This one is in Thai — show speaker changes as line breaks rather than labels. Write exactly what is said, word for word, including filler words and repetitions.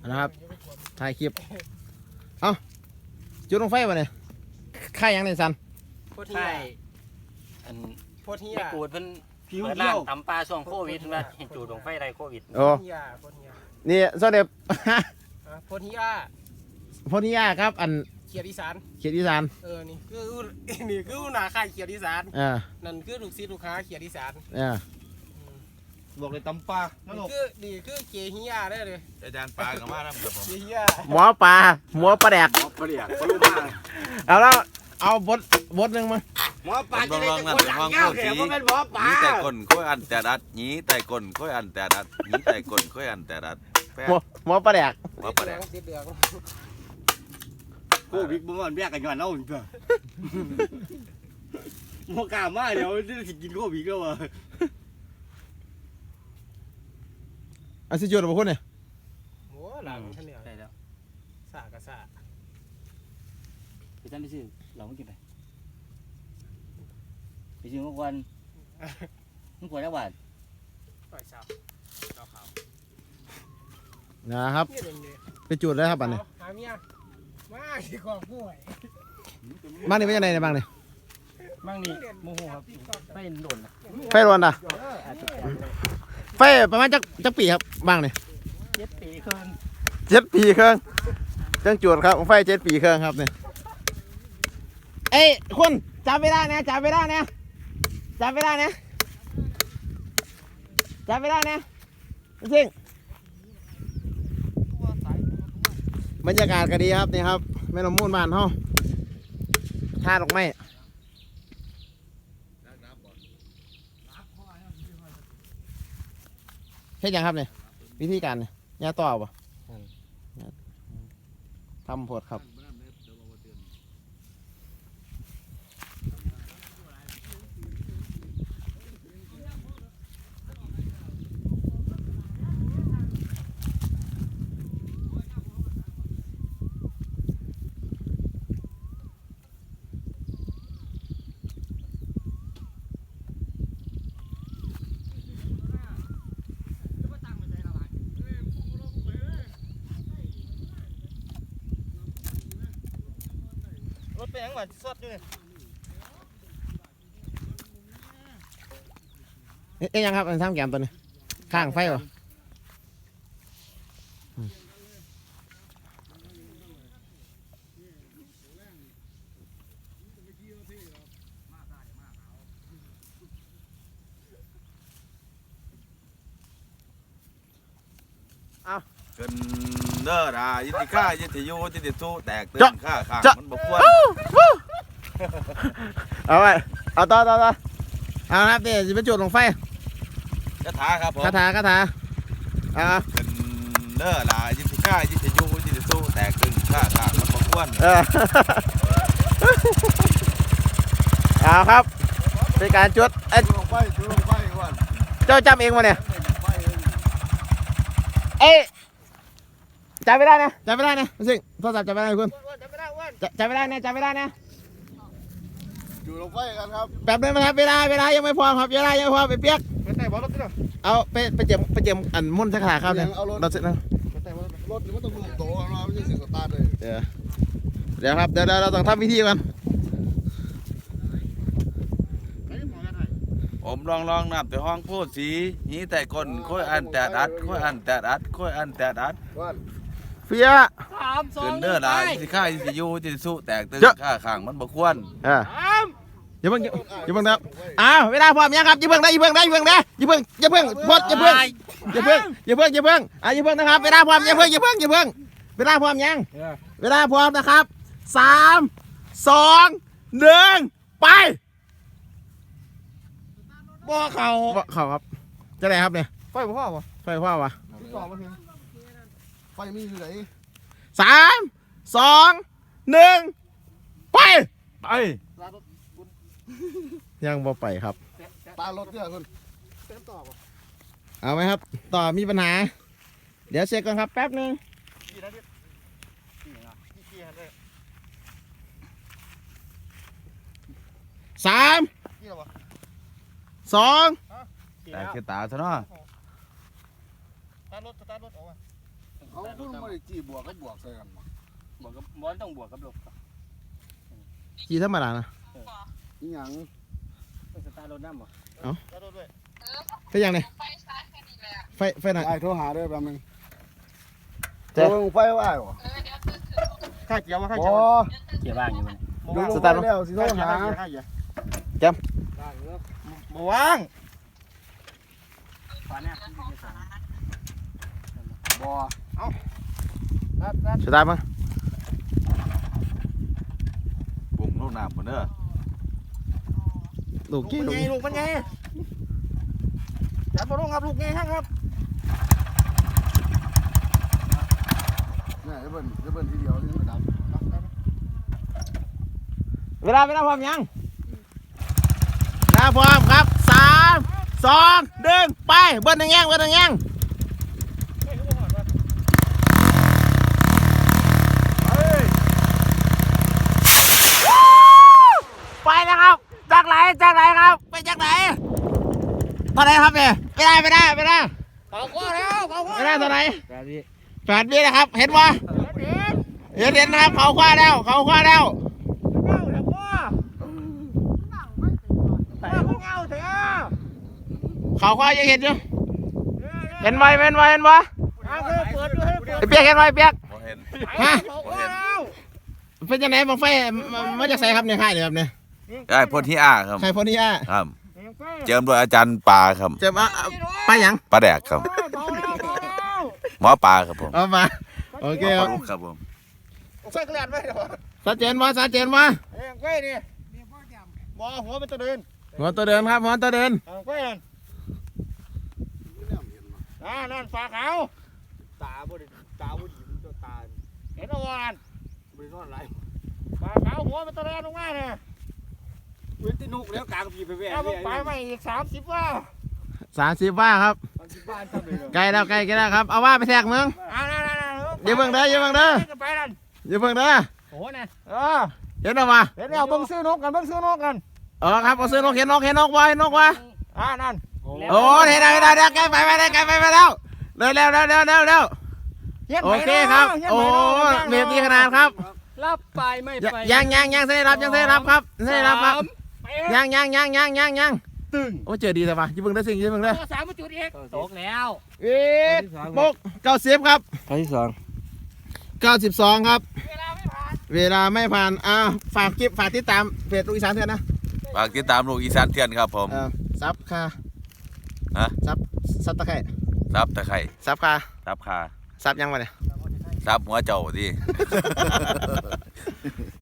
นะครับถ่ายคลิปเอ้าจุดลงไฟวะเนี่ยค่ายยังในซัน
ใช่อันพวกที่กูดเพิ่นเปิดร้านตำปลาช่วงโควิดว่าเห็นจูดลงไฟไรโควิด
โอ้นี่โซเดบ
โพธิยา
โพธิยาครับอัน
เขียดอีสาน
เขียดอีสาน
เออนี่คือนี่คือหน้าค่ายเขียดอีสาน
อ่า
นั่นคือลูกศิษย์ลูกค้าเขียดอีสาน
อ่า
บอกเลยตำปลา
นี่คือนี่คือเกียฮิยาได้เลย
อาจารย์ปลากับมาครับผม
เกียฮิยา
หมอปลาหมอปลาแดก
หมอปลาแดกปลาลูกมา
เอาแล้วเอาบดบดหนึ่งมา
หมอปลาจะได้คนหลังเงาเขียวมันเป็นหมอปลาหนีแต่ก้นค่อยอันแต่ดัดหนีแต่ก้นค่อยอันแต่ดัดหนีแต่ก้นค่อยอันแต่ดัด
หมอหมอปลาแดก
หมอปลาแดก
โควิดบ่มันแยกกันย้อนเนาเด้อบ่กล้ามาเดี๋ยวสิกินโควิดแล้วว่ะ
อาสิจุดบ่คนเนี่ย
โอ้หลังฉันเนี่ยใช่แล้วสากะสา
ไปซั่นไปซื้อเราไม่กินไปไปซื้อมื้อวันมื้อวันละบาท
ปล่อยสาวดอกขาว
นะครับไปจุดเลยครับอันนี้
หาเมียมาสิขอป่วย
บ้านนี้เป็นยังไงในบ้านนี้
บ้านนี้โมโหครับไฟโดน
ไฟโดนอ่ะไฟประมาณจักจักปีครับบ้างนี่
เจ็ดปีครึ่ง
เจ็ดปีครึ่งจังจุดครับไฟเจ็ดปีครึ่งครับเนี่ยเอ้ยคุณจับเวลาเนี่ยจับเวลาเนี่ยจับเวลาเนี่ยจับเวลาเนี่ยจริงบรรยากาศก็ดีครับนี่ครับแม่น้ำมูลบ้านเขาท่าดอกไม้เฮ็ดยังครับเนี่ยวิธีการเนี่ยยาต่อป่ะทำผดครับ
รถเป็นยังไงสดอยู่
เอ๊ยยังครับอันทำแกมตัวนี้ข้างไฟป่ะเอา
เกินเด้อด่ายินดีข้ายินดีโยยินดีสู้แตกตื่นข้าข้ามันบกวน
เอาไปเอาต่อต่อต่อเอาครับเดี๋ยวจะไปจุดลงไฟ
คาถาครับผม
คาถาคาถาเอา
เกินเด้อด่ายินดีข้ายินดีโยยินดีสู้แตกตื่นข้าข้ามันบกวน
เอาครับเป็นการจุดเอ้ยเจ้าจำเองวะเนี่ยเอ้ยจับไม่ได้นะจับไม่ได้นะสิโทรศัพท์จับไม่ได้คุณจับไม่ได้นะจับไม่ได้นะ
อยู่ลงไฟกันครับ
แป๊บนึงนะครับเวลาเวลายังไม่พอครับเวลายังไม่พอไปเปียก
ไปแต่บอลรถที่ไหน
เอาไปไปเจียมไปเจียมอันมุ่นสักขาครับเนี่ยรถเสร็จแล้ว
รถมันต้องมือโตเราไม่ใช่เสียงสตาร์ทเลย
เดี๋ยวเดี๋ยวครับเดี๋ยวเราต้องทำวิธีก่อน
ผมลองลองนับแต่ห้องพูดสีนี้แต่คนค่อยอันแต่ดัดค่อยอันแต่ดัดค่อยอันแต่ดัด
เฟีย
สามสอง
เดินเด้อได้สิข้าสิยูสิสู้แตกตื่นข้าข้างมันบกวน
อ่าอย่าเพิ่งอย่าเพิ่งครับอ้าวเวลาพร้อมยังครับอย่าเพิ่งได้อย่าเพิ่งได้อย่าเพิ่งได้อย่าเพิ่งอย่าเพิ่งพดอย่าเพิ่งอย่าเพิ่งอย่าเพิ่งอย่าเพิ่งอ่าอย่าเพิ่งนะครับเวลาพร้อมอย่าเพิ่งอย่าเพิ่งอย่าเพิ่งเวลาพร้อมยังเวลาพร้อมนะครับสามสองหนึ่งไป
บ่อเขา
บ่อเขาครับจะไหนครับเนี่ย
ไฟบ่พ่อวะ
ไฟพ่อวะ
ไฟมีอยู่ไหน
สามสองหนึ่งไป
ไป
ยังบ่ไปครับ
ตารถเนี่ยคุณเต็มต่อป่ะ
เอาไหมครับต่อมีปัญหาเดี๋ยวเช็คก่อนครับแป๊บนึงสามสอง
แต่คือตาซะเนาะ
ตารถตารถออกมา
เอาเพิ่งมาได้จีบวกก็บวกใส่กันมา
บวกกับบอลต้องบวกกับลบครับ
กี่ธรรมดานะ
อีหยัง
ต้องสตาร์ทรถน้ำบ่
ไฟยังไงไฟไฟไหน
ไอ้โทรหาด้วยแป๊บนึง
เจ๊
โทรไฟว่าไอ้บ่
ข้าเกี่ยวมาข้า
บ่
เกี่ยว
เกี่ยวบ้างอยู่มัน
ดู
สตาร์ท
แล้วสิโทรหา
ข้าเกี่ยวบ่ว่าง
ฟ้าเนี่ยมันจะสั่ง
บ่
ครับครับ
สตาร์ทมั้ง
บุ้งลูกน้ำหมดเด้อ
ลูกกี้
มัน
ลูก
ไงลูกมันไงจับมาลงครับลูกไงครับ
เนี่ยจะเบิ่นจะเบิ่นทีเดียวนี่มันดับ
เวลาเวลาพร้อมยังเวลาพร้อมครับสามสองหนึ่งไปเบิ้ลหนึ่งแย่งเบิ้ลหนึ่งแย่งไปนะครับจากไหนจากไหนครับไปจากไหนตอนไหนครับเนี่ยไม่ได้ไม่ได้ไม่ได้
เขาก็แล้วเขาก็
ไม่ได้ตอนไหน
แบบนี้
แปดวินะครับเห็นปะเห็นเห็นนะครับเขาคว้าแล้วเขาคว้าแล้ว
เงาเถอะพ่อพ่อเงาเถอะ
เขาคว้ายังเห็นอยู่เห็นไหมเห็นไหมเห็นปะ
เอาเถอะเปิดด้วยเปิด
ไอ้เปียกเห็นไหมเปียก
บ่เห็น
ฮะ
เขาก็แล้ว
เป็นยังไงบังไฟมามาจากไสครับเนี่ยค่ายเนี่ยครับเนี่ย
ได้พ่นที่อาครับ
ใครพอนี่อ่ะ
ครับ เจิมโดยอาจารย์ปาครับ
เจะมาเอาไปหยัง
ปลาแดกครับ
เบาแล้วเบาแล้ว
หมอปลาครับผม
เอามาโอเคครับ
ปลาลูกครับผม
ใส่กระดาษไว้เดี๋ยว
ชัดเจนวะชัดเจนวะ
เอ้ยไว้นี่บ่หัวเป็นตัวเดิน
หัวตัวเดินครับหัวตัวเดิน
เอาไว้นั่นอ่านั่นฝาขาว
ตาบ่ได้ตาบ่ดีมันตัวตา
เห็นเอาวาน
บ่ได้นอนหลาย
ฝาขาวหัวเป็นตัวเดินลงมาเนี่ย
เว้นที่นุกแล้วกลางปีไปแว่
เอาไปไปมาอีกสามสิบว่า
สามสิบว่าครับ
บ้านทำเลย
ใกล้แล้วใกล้ใกล้แล้วครับเอาว่าไปแทกเมือง
อ่านั่นนั่นนั่น
อย่าเพิ่งเด้ออย่าเพิ่งเด้อ
ไปนั่น
อย่าเพิ่งเด้อ
โอ้เนี่ยเออ
เห็นหรอวะ
เดี๋ยวเบิ่งซื้อนกกันเบิ่งซื้อนกกัน
เออครับเอาซื้อนกเห็นนกเห็นนกวะเห็นนกวะ
อ่านั่น
โอ้เห็นแล้วเห็นแล้วเดี๋ยวใกล้ไปไปแล้วใกล้ไปไปแล้วเร็วเร็วเร็วเร็วเร็วเร็วโอเคครับโอ้เมตรดีขนาดครับ
รับไปไม่ไป
ยังยังยังเส้นรับยังเส้นรับครับเส้นรับครับยังยังยังยังยังยัง
ตึง
โอ้เจอดีแต่ว่าอย่าเพิ่งได้สิ่งอย่าเพิ่งได้
สามจุดเอก
ตกแล้ว
เอ็ดบกเก้าสิบครับ
ครั้งที่สอง
เก้าสิบสองครับ
เวลาไม่ผ่าน
เวลาไม่ผ่านอ่าฝากคลิปฝากติดตามเพจลูกอีสานเถื่อนนะ
ฝากติดตามลูกอีสานเทียนครับผม
เออซับคา
ฮะ
ซับซับตะไคร่
ซับตะไคร่
ซับคา
ซับคา
ซับยังวะเนี่ย
ซับหัวเจ้าดี